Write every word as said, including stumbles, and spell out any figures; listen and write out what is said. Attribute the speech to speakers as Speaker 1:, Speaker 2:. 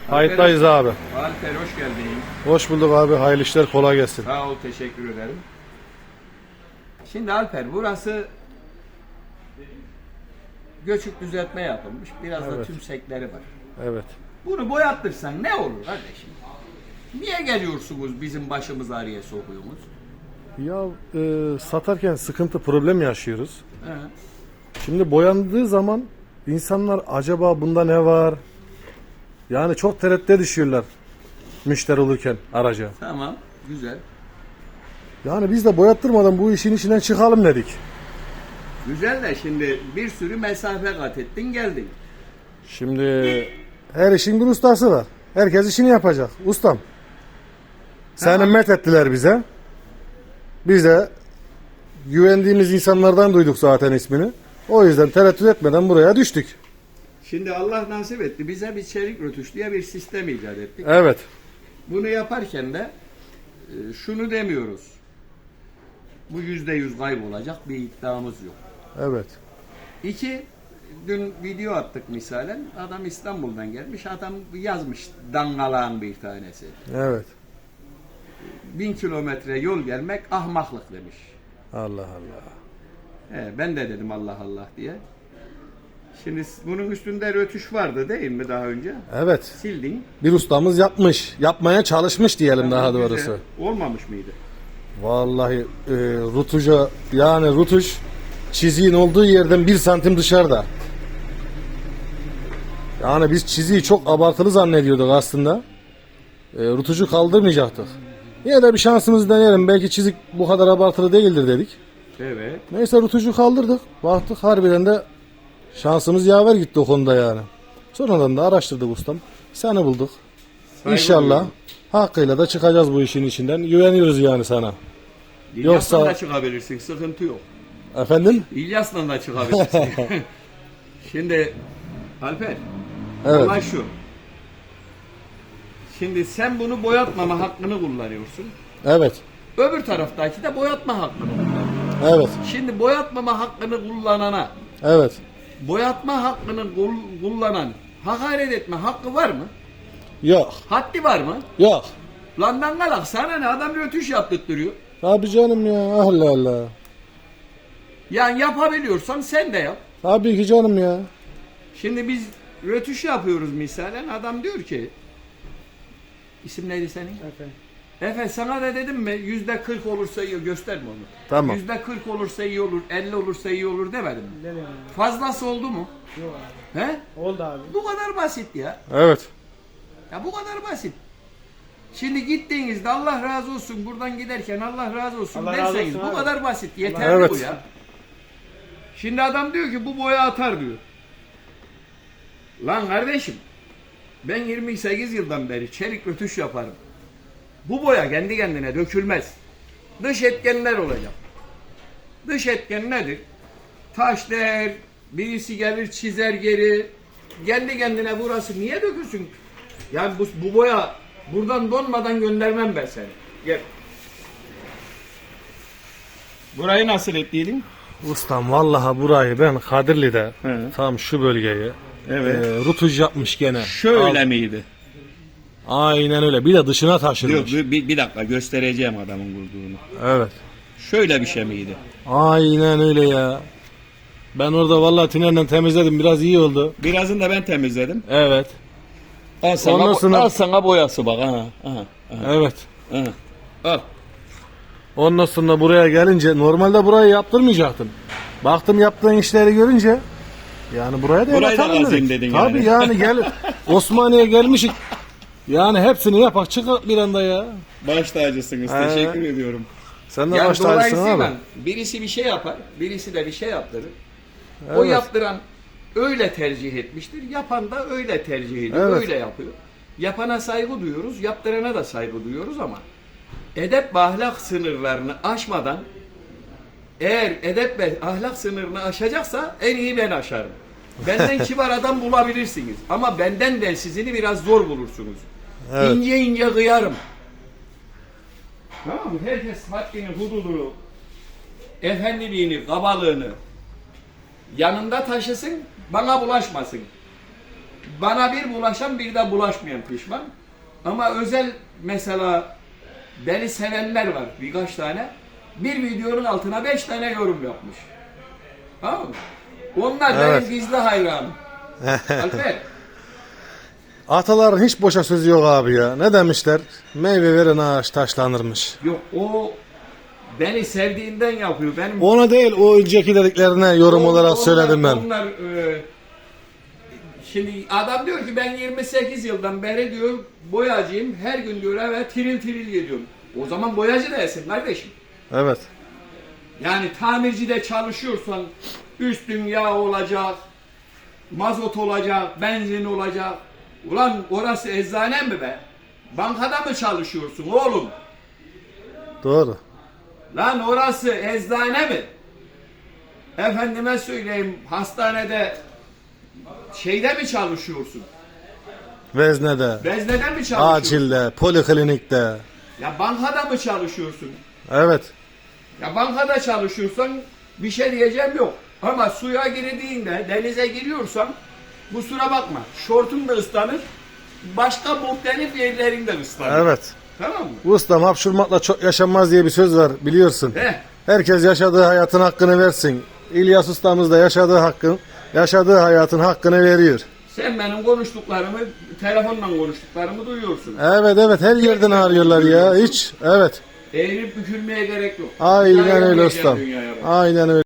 Speaker 1: Kayıttayız abi.
Speaker 2: Alper hoş geldin.
Speaker 1: Hoş bulduk abi. Hayırlı işler, kolay gelsin.
Speaker 2: Sağ ol, teşekkür ederim. Şimdi Alper, burası göçük düzeltme yapılmış. Biraz da
Speaker 1: Evet.
Speaker 2: tümsekleri var.
Speaker 1: Evet.
Speaker 2: Bunu boyattırsan ne olur kardeşim? Niye geliyorsunuz bizim başımız ağrıya sokuyorsunuz?
Speaker 1: Ya e, satarken sıkıntı, problem yaşıyoruz.
Speaker 2: He.
Speaker 1: Şimdi boyandığı zaman insanlar acaba bunda ne var? Yani çok tereddüte düşüyorlar müşteri olurken araca.
Speaker 2: Tamam, güzel.
Speaker 1: Yani biz de boyattırmadan bu işin içinden çıkalım dedik.
Speaker 2: Güzel de şimdi bir sürü mesafe kat ettin geldin.
Speaker 1: Şimdi her işin bir ustası var. Herkes işini yapacak. Ustam. Seni
Speaker 2: Tamam.
Speaker 1: met ettiler bize. Biz de güvendiğimiz insanlardan duyduk zaten ismini. O yüzden tereddüt etmeden buraya düştük.
Speaker 2: Şimdi Allah nasip etti. Bize bir çelik rötuş diye bir sistem icat ettik.
Speaker 1: Evet.
Speaker 2: Bunu yaparken de e, şunu demiyoruz. Bu yüzde yüz kaybolacak bir iddiamız yok.
Speaker 1: Evet.
Speaker 2: İki, dün video attık misalen. Adam İstanbul'dan gelmiş. Adam yazmış dangalağın bir tanesi.
Speaker 1: Evet.
Speaker 2: Bin kilometre yol gelmek ahmaklık demiş.
Speaker 1: Allah Allah.
Speaker 2: He, ben de dedim Allah Allah diye. Şimdi bunun üstünde rötuş vardı değil mi daha önce?
Speaker 1: Evet.
Speaker 2: Sildin.
Speaker 1: Bir ustamız yapmış. Yapmaya çalışmış diyelim daha
Speaker 2: Güzel.
Speaker 1: doğrusu.
Speaker 2: Olmamış mıydı?
Speaker 1: Vallahi e, rutuca yani rutuş çiziğin olduğu yerden bir santim dışarıda. Yani biz çiziği çok abartılı zannediyorduk aslında. E, rutucu kaldırmayacaktık. Yine de bir şansımızı deneyelim. Belki çizik bu kadar abartılı değildir dedik.
Speaker 2: Evet.
Speaker 1: Neyse rutucu kaldırdık. Baktık harbiden de şansımız yaver gitti o konuda yani. Sonradan da araştırdık ustam. Seni bulduk.
Speaker 2: Saygı
Speaker 1: İnşallah
Speaker 2: duyuyorum.
Speaker 1: hakkıyla da çıkacağız bu işin içinden. Güveniyoruz yani sana.
Speaker 2: İlyas'la
Speaker 1: Yoksa-
Speaker 2: da çıkabilirsin. Sıkıntı yok.
Speaker 1: Efendim?
Speaker 2: İlyas'la da çıkabilirsin. Şimdi Alper,
Speaker 1: Evet.
Speaker 2: olay şu. Şimdi sen bunu boyatmama hakkını kullanıyorsun.
Speaker 1: Evet.
Speaker 2: Öbür taraftaki de boyatma hakkını kullanıyor.
Speaker 1: Evet.
Speaker 2: Şimdi boyatmama hakkını kullanana,
Speaker 1: Evet.
Speaker 2: boyatma hakkını kul- kullanan hakaret etme hakkı var mı?
Speaker 1: Yok.
Speaker 2: Haddi var mı?
Speaker 1: Yok.
Speaker 2: Lan dangalak sana ne, adam rötuş yaptırtıyor.
Speaker 1: Tabii canım ya. Allah Allah.
Speaker 2: Yani yapabiliyorsan sen de yap.
Speaker 1: Tabii ki canım ya.
Speaker 2: Şimdi biz rötuş yapıyoruz misalen, adam diyor ki, isim neydi senin? Efe. Efe sana da dedim mi yüzde kırk olursa iyi, gösterme onu.
Speaker 1: Tamam.
Speaker 2: Yüzde kırk olursa iyi olur, elli olursa iyi olur demedim mi?
Speaker 3: Dedim abi.
Speaker 2: Fazlası oldu mu?
Speaker 3: Yok abi.
Speaker 2: He?
Speaker 3: Oldu abi.
Speaker 2: Bu kadar basit ya.
Speaker 1: Evet.
Speaker 2: Ya bu kadar basit. Şimdi gittiğinizde Allah razı olsun, buradan giderken Allah razı olsun
Speaker 3: Allah razı
Speaker 2: derseniz
Speaker 3: olsun
Speaker 2: bu
Speaker 3: abi.
Speaker 2: kadar basit. Yeterli
Speaker 1: Evet.
Speaker 2: bu ya. Şimdi adam diyor ki bu boya atar diyor. Lan kardeşim, ben yirmi sekiz yıldan beri çelik rötuş yaparım. Bu boya kendi kendine dökülmez. Dış etkenler olacak. Dış etken nedir? Taş değer, birisi gelir çizer geri. Kendi kendine burası niye dökülsün? Yani bu, bu boya buradan donmadan göndermem ben seni. Gel. Burayı nasıl ettiydin?
Speaker 1: Ustam vallahi burayı ben Kadirli'de
Speaker 2: He.
Speaker 1: tam şu bölgeyi
Speaker 2: Evet.
Speaker 1: e, rutuj yapmış gene.
Speaker 2: Şöyle
Speaker 1: Al-
Speaker 2: miydi?
Speaker 1: Aynen öyle. Bir de dışına
Speaker 2: Yok,
Speaker 1: taşırmış.
Speaker 2: bir, bir dakika göstereceğim adamın vurduğunu.
Speaker 1: Evet.
Speaker 2: Şöyle bir şey miydi?
Speaker 1: Aynen öyle ya. Ben orada vallahi tünelden temizledim. Biraz iyi oldu.
Speaker 2: Birazını da ben temizledim.
Speaker 1: Evet.
Speaker 2: Al sana,
Speaker 1: Ondan sonra-
Speaker 2: al sana boyası bak. Aha, aha, aha,
Speaker 1: Evet.
Speaker 2: aha. Al.
Speaker 1: Ondan sonra buraya gelince normalde burayı yaptırmayacaktım. Baktım yaptığın işleri görünce yani buraya da
Speaker 2: Burayı da
Speaker 1: yapatalım
Speaker 2: kazıyım
Speaker 1: dedik.
Speaker 2: dedin
Speaker 1: Tabii
Speaker 2: yani.
Speaker 1: yani gel Osmaniye'ye gelmişik. Yani hepsini yapak çıkar bir anda ya.
Speaker 2: Baş tacısınız.
Speaker 1: He.
Speaker 2: Teşekkür ediyorum.
Speaker 1: Sen de
Speaker 2: Yani
Speaker 1: baş tacısın
Speaker 2: dolayısıyla
Speaker 1: abi.
Speaker 2: birisi bir şey yapar, birisi de bir şey yaptırır. O
Speaker 1: Evet.
Speaker 2: yaptıran öyle tercih etmiştir. Yapan da öyle tercih ediyor,
Speaker 1: Evet.
Speaker 2: öyle yapıyor. Yapana saygı duyuyoruz, yaptırana da saygı duyuyoruz ama edep ve ahlak sınırlarını aşmadan, eğer edep ve ahlak sınırını aşacaksa en iyi ben aşarım. Benden kibar adam bulabilirsiniz ama benden de sizini biraz zor bulursunuz.
Speaker 1: Evet.
Speaker 2: İnce ince kıyarım. Tamam mı? Herkes haddini, hududunu, efendiliğini, kabalığını yanında taşısın, bana bulaşmasın. bana bir bulaşan bir de bulaşmayan pişman. Ama özel mesela beni sevenler var birkaç tane. Bir videonun altına beş tane yorum yapmış. Tamam mı? Onlar
Speaker 1: Evet.
Speaker 2: benim gizli hayranım. Alper.
Speaker 1: Ataların hiç boşa sözü yok abi ya. Ne demişler? Meyve veren ağaç taşlanırmış.
Speaker 2: Yok o beni sevdiğinden yapıyor. Benim
Speaker 1: Ona değil, o önceki dediklerine yorum
Speaker 2: On-
Speaker 1: olarak
Speaker 2: onlar-
Speaker 1: söyledim ben.
Speaker 2: Onlar e, şimdi adam diyor ki ben yirmi sekiz yıldan beri diyor boyacıyım. Her gün diyor eve tiril tiril geliyorum. O zaman boyacı değilsin kardeşim.
Speaker 1: Evet.
Speaker 2: Yani tamircide çalışıyorsan üstün yağ olacak, mazot olacak, benzin olacak. Ulan orası eczane mi be? Bankada mı çalışıyorsun oğlum?
Speaker 1: Doğru.
Speaker 2: Lan orası eczane mi? Efendime söyleyeyim hastanede şeyde mi çalışıyorsun?
Speaker 1: Veznede,
Speaker 2: Veznede mi çalışıyorsun?
Speaker 1: acilde, poliklinikte.
Speaker 2: Ya bankada mı çalışıyorsun?
Speaker 1: Evet.
Speaker 2: Ya bankada çalışıyorsan bir şey diyeceğim yok. Ama suya girdiğinde denize giriyorsan kusura bakma şortun da ıslanır. Başka muhtelif yerlerin de ıslanır.
Speaker 1: Evet.
Speaker 2: Tamam mı?
Speaker 1: Ustam hapşurmakla çok yaşanmaz diye bir söz var biliyorsun.
Speaker 2: Heh.
Speaker 1: Herkes yaşadığı hayatın hakkını versin. İlyas ustamız da yaşadığı hakkın, yaşadığı hayatın hakkını veriyor.
Speaker 2: Sen benim konuştuklarımı, telefonla konuştuklarımı duyuyorsun.
Speaker 1: Evet evet, her yerden arıyorlar ya hiç. Evet.
Speaker 2: Eğilip bükülmeye gerek yok.
Speaker 1: Aynen
Speaker 2: Dünyaya
Speaker 1: öyle
Speaker 2: geleceğim
Speaker 1: ustam.
Speaker 2: dünyaya bak.
Speaker 1: Aynen öyle.